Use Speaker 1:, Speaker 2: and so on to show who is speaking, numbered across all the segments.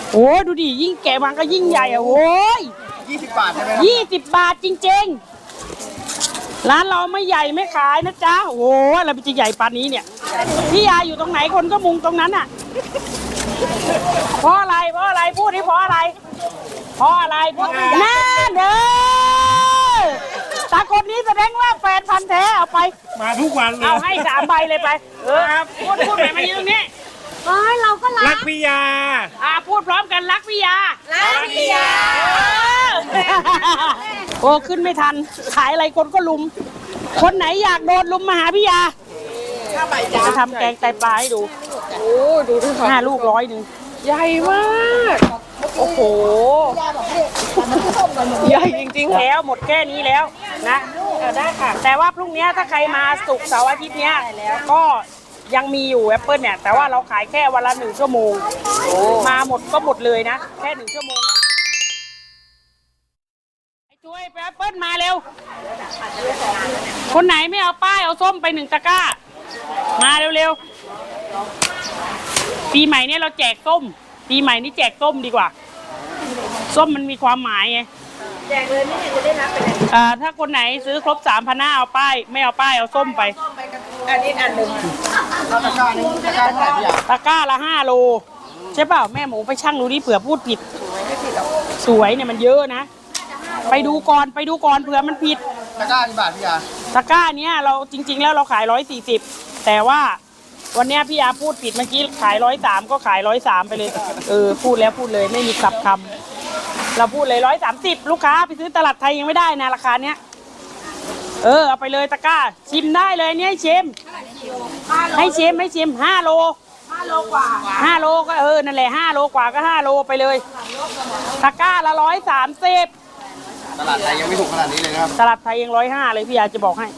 Speaker 1: โอ้ดูดิยิ่งแก่มันก็ยิ่งใหญ่อะโว้ย
Speaker 2: 20 บาทใช่ไหม
Speaker 1: 20 บาทจริงๆร้านเราไม่ใหญ่ไม่ขายนะจ๊ะโอ้อะไรมันจะใหญ่ปานนี้เนี่ยพี่ยาอยู่ตรงไหนคนก็มุงตรงนั้นอะเพราะอะไรพูดดิเพราะอะไรพูดน่าเด้อตาคนนี้แสดงว่าแฟนพันธ์แท้เอาไป
Speaker 3: มาทุกวันเลย
Speaker 1: เอาให้3 ใบเลยไปพูดไปมายืนตรงนี้
Speaker 4: เราก็รั
Speaker 3: รั
Speaker 4: ก
Speaker 3: กพี่ยา
Speaker 1: พูดพร้อมกันรักพี่ยาโอ้ขึ้นไม่ทันขายอะไรคนก็ลุมคนไหนอยากโดนลุมมาหาพี่ยาจะทำแกงไตปลาให้ดู
Speaker 4: โอ้ดูที่เขา
Speaker 1: 5 ลูก100
Speaker 4: ใหญ่มากโอ้โหใหญ่จริงๆ
Speaker 1: แล้วหมดแค่นี้แล้วนะได้ค่ะแต่ว่าพรุ่งนี้ถ้าใครมาศุกร์เสาร์อาทิตย์เนี้ยก็ยังมีอยู่แอปเปิลเนี่ยแต่ว่าเราขายแค่วันละ1 ชั่วโมงมาหมดก็หมดเลยนะแค่1 ชั่วโมงไอ้ช่วยแอปเปิลมาเร็วคนไหนไม่เอาป้ายเอาส้มไป1 ตะกร้ามาเร็วปีใหม่เนี่ยเราแจกส้มปีใหม่นี้แจกส้มดีกว่าส้มมันมีความหมายไง
Speaker 4: แจกเลยไม่เห็นจะได้รับไปไหน
Speaker 1: ถ้าคนไหนซื้อครบ3,500เอาป้ายไม่เอาป้ายเอาส้มไป
Speaker 4: อันนี้อันหนึ่ง
Speaker 2: ตะกร้านึงตะกร้าเท่าไหร่พี่อ่ะ
Speaker 1: ตะกร้าละ5 โลใช่เปล่าแม่หมูไปชั่งดูดิเผื่อพูดผิดสวยเนี่ยมันเยอะนะไปดูก่อนเผื่อมันผิด
Speaker 2: ตะกร้ากี่บาทพี่อ่ะ
Speaker 1: ตะกร้าเนี้ยเราจริงๆแล้วเราขาย140แต่ว่าวันนี้พี่ยาพูดผิดเมื่อกี้ขาย130ก็ขาย130ไปเลยพูดแล้วพูดเลยไม่มีกลับคำเราพูดเลย130ลูกค้าไปซื้อตลาดไทยยังไม่ได้นะราคาเนี้ยเอาไปเลยตะกร้าชิมได้เลยเนี่ยให้ชิม5 โล
Speaker 4: กว่า
Speaker 1: 5 โลก็นั่นแหละ5 โลกว่าก็5 โลไปเลยตะกร้าละ130
Speaker 2: ตลาดไทยยังไม่ถูกขนาดนี้เลยนะครับ
Speaker 1: ตลาดไทยยัง150เลยพี่ยาจะบอกให้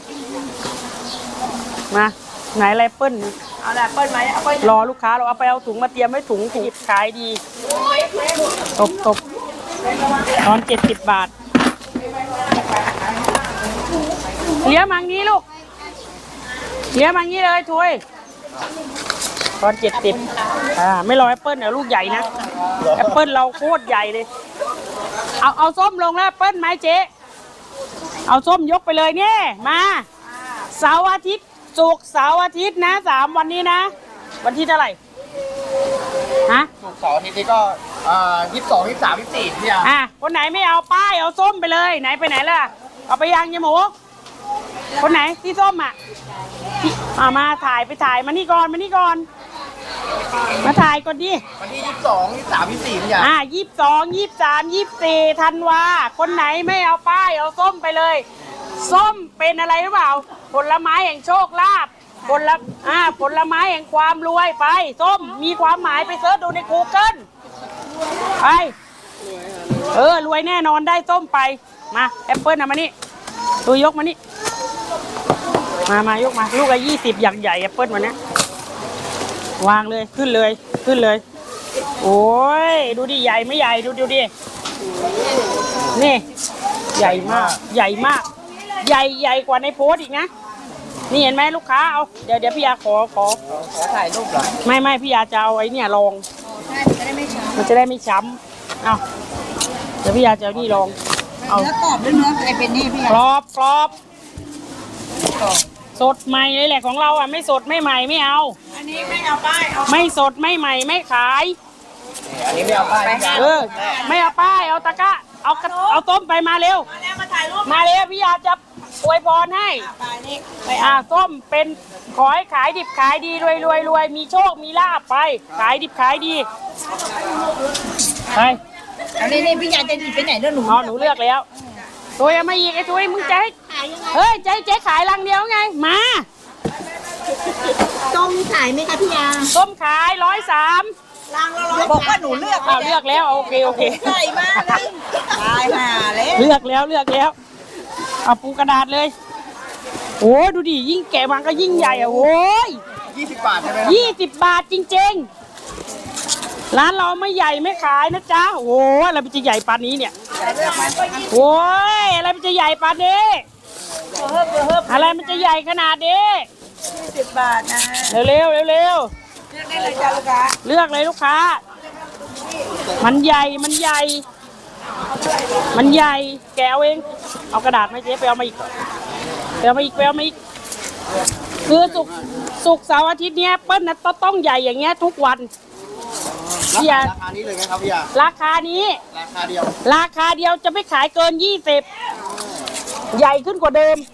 Speaker 1: มาไหนไรเปิ้ล
Speaker 4: เอาละเปิ้ลไหมเอาเปิ้ล
Speaker 1: รอลูกค้าเราเอาไปเอาถุงมาเตรียมไว้ถุงขายดีตบตอน70 บาทเลี้ยมังนี้ลูกเลี้ยมังนี้เลยช่วยตอน70ไม่รอแอปเปิ้ลเดี๋ยวลูกใหญ่นะแอปเปิ้ลเราโคตรใหญ่เลยเอาส้มลงแล้วแอปเปิ้ลไหมเจ๊เอาส้มยกไปเลยเนี่ยมาเสาร์อาทิตย์ศุกร์เสาร์อาทิตย์นะ3 วันนี้นะวันที่เท่าไหร่
Speaker 2: ศุกร์เสาร์อาทิตย์นี้ก็22 23 24พี่อ่ะ
Speaker 1: คนไหนไม่เอาป้ายเอาส้มไปเลยไหนไปไหนล่ะเอาไปยังยายหมูคนไหนที่ส้มมาถ่ายมานี่ก่อนมาถ่ายก่อนดิ
Speaker 2: วันที่22 23 24พี่อ่ะ
Speaker 1: 22 23 24ธันวาคนไหนไม่เอาป้ายเอาส้มไปเลยส้มเป็นอะไรหรือเปล่าผลไม้แห่งโชคลาภผลไม้แห่งความรวยไปส้มมีความหมายไปเสิร์ชดูใน Google ไปรวยแน่นอนได้ส้มไปมาแอปเปิ้ลมานี่ตัวยกมานี่มายกมาลูกละ20อย่างใหญ่แอปเปิ้ลวันนี้วางเลยขึ้นเลยโอ้ยดูดิใหญ่ไม่ใหญ่ดูดินี่ใหญ่มากใหญ่กว่าในโพสอีกนะนี่เห็นไหมลูกค้าเอาเดี๋ยวพี่ยาขอ
Speaker 2: ถ่ายรูปเหรอ
Speaker 1: ไม่พี่ยาจะเอาไอ้เนี่ยลองมันจะได้ไม่ช้ำเอาเดี๋ยวพี่ยาจะเอานี่ลอง
Speaker 4: เอาเนื้อกรอบหรือเนื้อไอเป็นนี่พี่
Speaker 1: กรอบสดใหม่เลยแหละของเราไม่สดไม่ใหม่ไม่เอา
Speaker 4: อันนี้ไม่เอาป้าย
Speaker 1: ไม่สดไม่ใหม่ไม่ขาย
Speaker 2: อันนี้ไม่เอาป้าย
Speaker 1: ไม่เอาป้ายเอาตะกร้าเอาต้มไปมาเร็วมาเร็วพี่ยาจะอวยพรให้ส้มเป็นขอให้ขายดิบขายดีรวยมีโชคมีลาภไปขายดิบขายดีไป
Speaker 4: อันนี้พี่ยาจะหยิบไปไหนเรื่อง
Speaker 1: หนูเลือกแล้วตัวยังไม่อีกไอ้ตัวมึงจะให้เจ๊ขายลังเดียวไงมา
Speaker 4: ส้มขายไหมคะพี่ยา
Speaker 1: ส้มขาย130
Speaker 4: ลังละบอกว่าหนูเลือก
Speaker 1: แล้วโอเค
Speaker 4: ใหญ่มากเลยตายห่าเลย
Speaker 1: เลือกแล้วเอาปูกระดาษเลยโอ้ดูดิยิ่งแก่มันก็ยิ่งใหญ่โอ้ย
Speaker 2: 20 บาทใช่ไหม
Speaker 1: 20 บาทจริงๆร้านเราไม่ใหญ่ไม่ขายนะจ๊ะโอ้อะไรมันจะใหญ่ปานนี้เนี่ยโอ้ยอะไรมันจะใหญ่ปานนี้อะไรมันจะใหญ่ขนาดนี้
Speaker 4: 20 บาทนะ
Speaker 1: เร็ว
Speaker 4: เลือกได้เลยจ้าลูกค้า
Speaker 1: เลือกเลยลูกค้ามันใหญ่มันใหญ่มันใหญ่แกเอาเองเอากระดาษมาเจ๊ไปเอามาอีกไปเอามาอีกไปเอามาอีกคือศุกร์เสาร์อาทิตย์เนี้ยเปิ้ลนะต้องใหญ่อย่างเงี้ยทุกวันพี่ยา
Speaker 2: ราคานี้เลยไหมครับพี่ยา
Speaker 1: ราคานี้
Speaker 2: ราคาเดียว
Speaker 1: ราคาเดียวจะไม่ขายเกิน20ใหญ่ขึ้นกว่าเดิม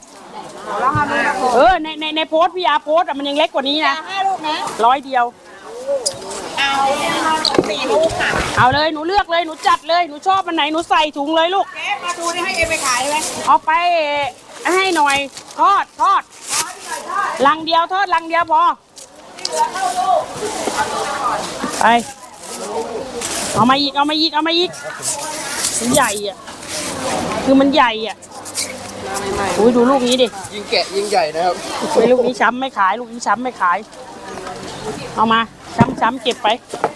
Speaker 1: ในโพสต์พี่ยาโพสต์อะมันยังเล็กกว่านี้นะ
Speaker 4: 5 ลูกนะ
Speaker 1: 100เดียว
Speaker 4: เอา4 ลูกค่ะ
Speaker 1: เอาเลยหนูเลือกเลยหนูจัดเลยหนูชอบอันไหนหนูใส่ถุงเลยลูก
Speaker 4: เจ๊มาดูนี่ให้เอ็มไปขายไหม
Speaker 1: เอาไปให้หน่อยทอดลังเดียวทอดลังเดียวพอไปเอามาอีกมันใหญ่อ่ะคือมันใหญ่อ่ะอุ้ยดูลูกนี้ดิ
Speaker 2: ยิงแกะยิงใหญ่นะครับ
Speaker 1: ไม่ลูกนี้ช้ำไม่ขายลูกนี้ช้ำไม่ขายเอามาช้ำเก็บไป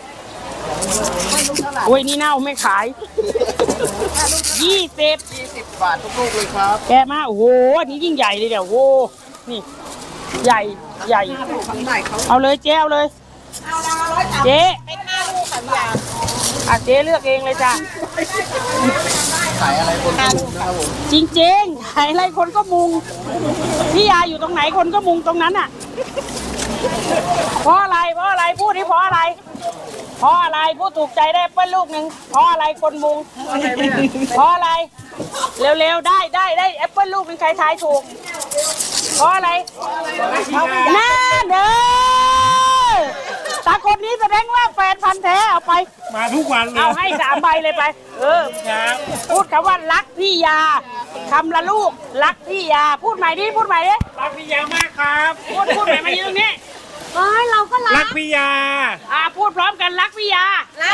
Speaker 1: โอ้ยนี่เน่าไม่ขาย20
Speaker 2: บาททุกลูกเลยครับ
Speaker 1: แกะมาโอ้โหอันนี้ยิ่งใหญ่เลยเดี๋ยวโอ้โหนี่ใหญ่เอาเลยเจ๊เอาเลย
Speaker 4: เอาละ130
Speaker 1: เจ๊
Speaker 4: เป็น5 ลูกค่ะพี่ยา
Speaker 1: อ่ะเจ๊เลือกเองเลยจ้ะ
Speaker 2: ขายอะไรคนก็มุงนะครับผม
Speaker 1: จริงๆขายอะไรคนก็มุงพี่ยาอยู่ตรงไหนคนก็มุงตรงนั้นอ่ะเพราะอะไรพูดที่เพราะอะไรพูดถูกใจได้เปิ้ลลูกหนึ่งเพราะอะไรคนมุงเพราะอะไรเร็วๆได้แอปเปิ้ลลูกหนึ่งใครทายถูกเพราะอะไรน่าเด้อตาคนนี้แสดงว่าแฟนพันธ์แท้เอาไปมาทุกวันเลยเอาให้3 ใบเลยไปพูดคำว่ารักพี่ยาคำละลูกรักพี่ยาพูดใหม่ดิรักพี่ยามากครับพูดใหม่มายืนตรงนี้เราก็รักพี่ยาพูดพร้อมกันรักพี่ยา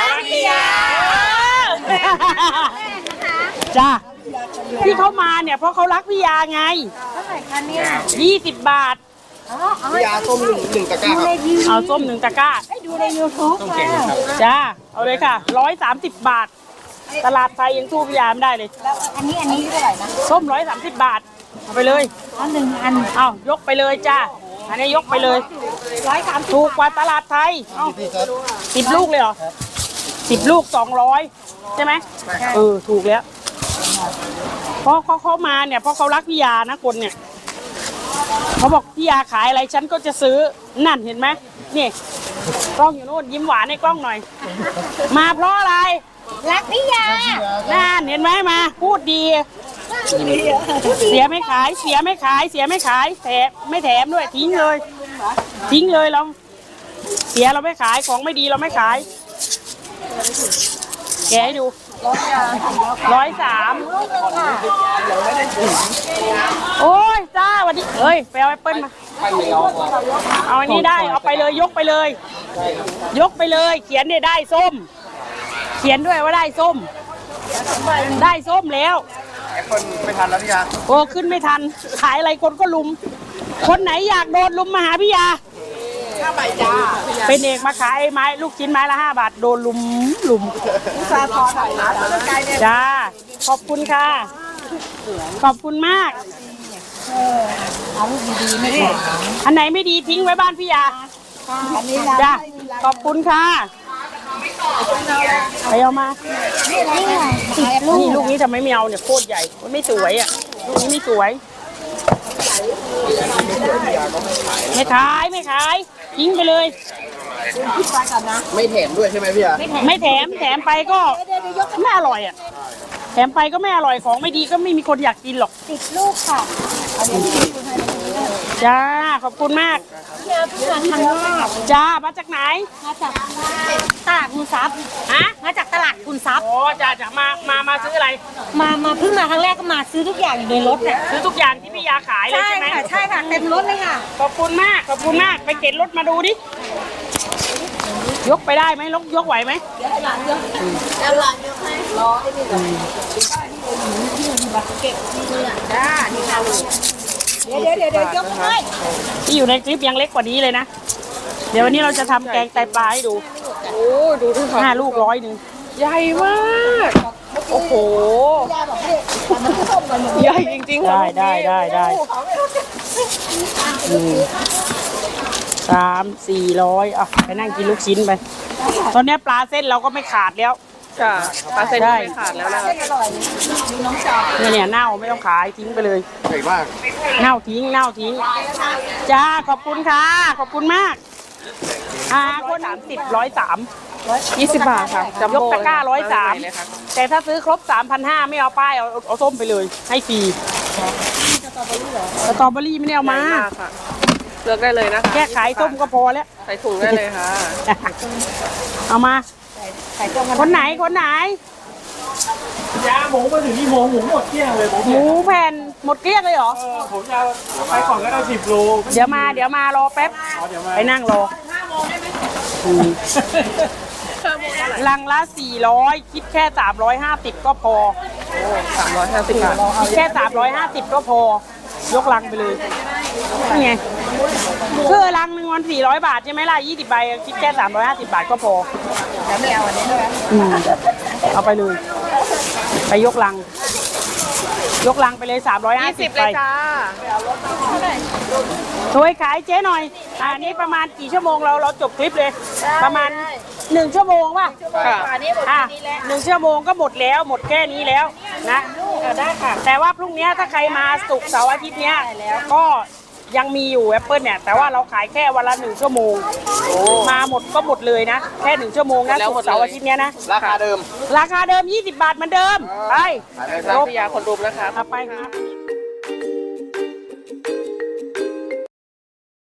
Speaker 1: จ้าที่เขามาเนี่ยเพราะเขารักพี่ยาไงเท่าไหร่คะเนี่ย20 บาท
Speaker 2: พี่ยาส้มหนึ่งตะกร้าครับ
Speaker 1: เอาส้ม1 ตะกร้า
Speaker 4: ดูใน YouTube
Speaker 2: ต้องเก่งครับ
Speaker 1: จ้าเอาเลยค่ะ130 บาท ตลาดไทยยังสู้พี่ยาไม่ได้เลย
Speaker 4: แล้วอันนี้เท่าไหร่นะ
Speaker 1: ส้ม130 บาทเอาไปเลย
Speaker 4: อัน1 อัน
Speaker 1: เอายกไปเลยจ้าอันนี้ยกไปเลย130ถูกกว่าตลาดไทยเอา10 ลูกเลยเหรอ10 ลูก200ใช่ไหมถูกแล้วเพราะเขามาเนี่ยเพราะเขารักพี่ยานะคนเนี่ยเขาบอกพี่ยาขายอะไรฉันก็จะซื้อนั่นเห็นไหมนี่กล้องอยู่นู่นยิ้มหวานให้กล้องหน่อย มาเพราะอะไร
Speaker 4: รักพี่ยา
Speaker 1: นั่นเห็นไหมมาพูดดีเสียไม่ขายแถมไม่แถมด้วยทิ้งเลยเราเสียเราไม่ขายของไม่ดีเราไม่ขายแกให้ดู130โอ้ยจ้าวันนี้เอ้ยไปเอาแอปเปิ้ลมาเอาอันนี้ได้เอาไปเลยยกไปเลยเขียนเนี่ยได้ส้มเขียนด้วยว่าได้ส้มแล้ว
Speaker 2: แอปเปิ้ลไม่ทันแล้วพี่ยา
Speaker 1: โอ้ขึ้นไม่ทันขายอะไรคนก็ลุมคนไหนอยากโดนลุมมาหาพี่ยา
Speaker 4: 5 ใบจ้า
Speaker 1: เป็นเอกมาขายไม้ลูกชิ้นไม้ละ5 บาทโดนลุม
Speaker 4: ซาทอถ่ายร้านแล้วไกลเนี่ย
Speaker 1: จ้าขอบคุณค่ะขอบคุณมาก
Speaker 4: เอาลูกดีๆไม่ได้
Speaker 1: อันไหนไม่ดีทิ้งไว้บ้านพี่ยา
Speaker 4: อันนี้
Speaker 1: จ้าขอบคุณค่ะไปเอามานี่ลูกนี้ทำไมไม่เอาเนี่ยโคตรใหญ่มันไม่สวยอ่ะลูกนี้ไม่สวยไม่ขายทิ้งไปเลย
Speaker 2: ไม่แถมด้วยใช่ไหมพี่ยา
Speaker 1: ไม่แถมไปก็ไม่อร่อยอ่ะแถมไปก็ไม่อร่อยของไม่ดีก็ไม่มีคนอยากกินหรอก
Speaker 4: 10 ลูกค่ะเอาเดี๋ยวพี่คุณให้
Speaker 1: จ้าขอบคุณมาก
Speaker 4: พี่ยาพี่ยาทางนอก
Speaker 1: จ้ามาจากไหน
Speaker 4: มาจากตลาดคุณทรัพย์
Speaker 1: ฮะ
Speaker 4: มาจากตลาดคุณทรัพย์
Speaker 1: โอ้จ้ามาซื้ออะไร
Speaker 4: มาเพิ่งมาครั้งแรกก็มาซื้อทุกอย่างอยู่ในรถเนี่ย
Speaker 1: ซื้อทุกอย่างที่พี่ยาขายเลย
Speaker 4: ใช่
Speaker 1: ใช่ไหม
Speaker 4: ค่ะใช่ค่ะเต็มรถเลยค่ะ
Speaker 1: ขอบคุณมากไปเก็บรถมาดูดิยกไปได้ไหมยกไหวไหม
Speaker 4: แล้วหลานยกให้รอให้นี่เก็บนี่อ่ะจ้านี่ค่ะเดี๋ยวยกให้
Speaker 1: ที่อยู่ในคลิปยังเล็กกว่านี้เลยนะเดี๋ยววันนี้เราจะทำแกงไตปลาให้ดูโอ้ดูที่5 ลูก100ใหญ่มากโอ้โหใหญ่จริงๆได้300-400อ่ะไปนั่งกินลูกชิ้นไปตอนนี้ปลาเส้นเราก็ไม่ขาดแล้ว
Speaker 3: จ้ะปลาเส้นก็ไม่ขาดแล้วนะคะ
Speaker 4: อร่อยดูน้องชอบ
Speaker 1: เนี่ยเน่าไม่ต้องขายทิ้งไปเลย
Speaker 2: ใหญ่มาก
Speaker 1: เน่าทิ้งจ้าขอบคุณค่ะขอบคุณมากคน30
Speaker 3: 20 บาทค่ะจัม
Speaker 1: 103ยก
Speaker 3: โบ้
Speaker 1: ตะกร้า
Speaker 3: เลยค่ะ
Speaker 1: 103แต่ถ้าซื้อครบ 3,500ไม่เอาป้ายเอาส้มไปเลยให้ฟรีสตรอเบอรี่ไม่ได้เอามา
Speaker 3: ใหญ่กค่ะเลือกได้เลยนะคะ
Speaker 1: แค่ขายส้มก็พอแล้ว
Speaker 3: ใส่ถุงได้เลยค่ะ
Speaker 1: เอามา
Speaker 4: ไข่ต้มกัน
Speaker 1: คนไหน
Speaker 5: ยาหมูมาถึงนี่โมงหมูหมดเกลี้ยงเลยผม
Speaker 1: หมูแผ่นหมดเกลี้ยงเลยเหรอ
Speaker 5: ผมจะไปก่อนก็ได้10 โล
Speaker 1: เดี๋ยวมารอแป๊บ
Speaker 5: เดี๋ยวมา
Speaker 1: ไปนั่งรอลังละ400คิดแค่350ก็พอ
Speaker 3: 350 บาท
Speaker 1: คิดแค่350ก็พอยกลังไปเลยนี่ไงคือลังหนึ่งวัน400 บาทใช่ไหมล่ะ20 ใบคิดแค่350 บาทก็พอ
Speaker 4: แล้วไม่เอาอันนี้ใช่ไหม
Speaker 1: เอาไปเลย ไปยกลังไปเลย350
Speaker 3: 20
Speaker 1: ไป
Speaker 3: เลยจ้า
Speaker 1: ช่วยขายเจ๊หน่อยอันนี้ประมาณกี่ชั่วโมงเราจบคลิปเลย ประมาณ1 ชั่วโมงป่ะ
Speaker 3: ค่ะ
Speaker 4: อันนี้หมด
Speaker 1: อ่ะ
Speaker 4: นี้แล้ว
Speaker 1: 1 ชั่วโมงก็หมดแล้วหมดแค่นี้แล้วนะได้ค่ะ แต่ว่าพรุ่งนี้ถ้าใครมาศุกร์เสาร์อาทิตย์เนี้ยก็ยังมีอยู่แอปเปิลเนี่ยแต่ว่าเราขายแค่วันละ1 ชั่วโมงมาหมดก็หมดเลยนะแค่1 ชั่วโมงนะศุกร์เสาร์อาทิตย์เนี้ยนะ
Speaker 2: ราคาเดิม
Speaker 1: ราคาเดิม20 บาทเหมือนเดิมไป
Speaker 2: ขายได้ค
Speaker 3: ร้า
Speaker 2: รั
Speaker 3: น
Speaker 2: บ
Speaker 3: พิยาคนรุมนะคะ
Speaker 1: เอาไปครับ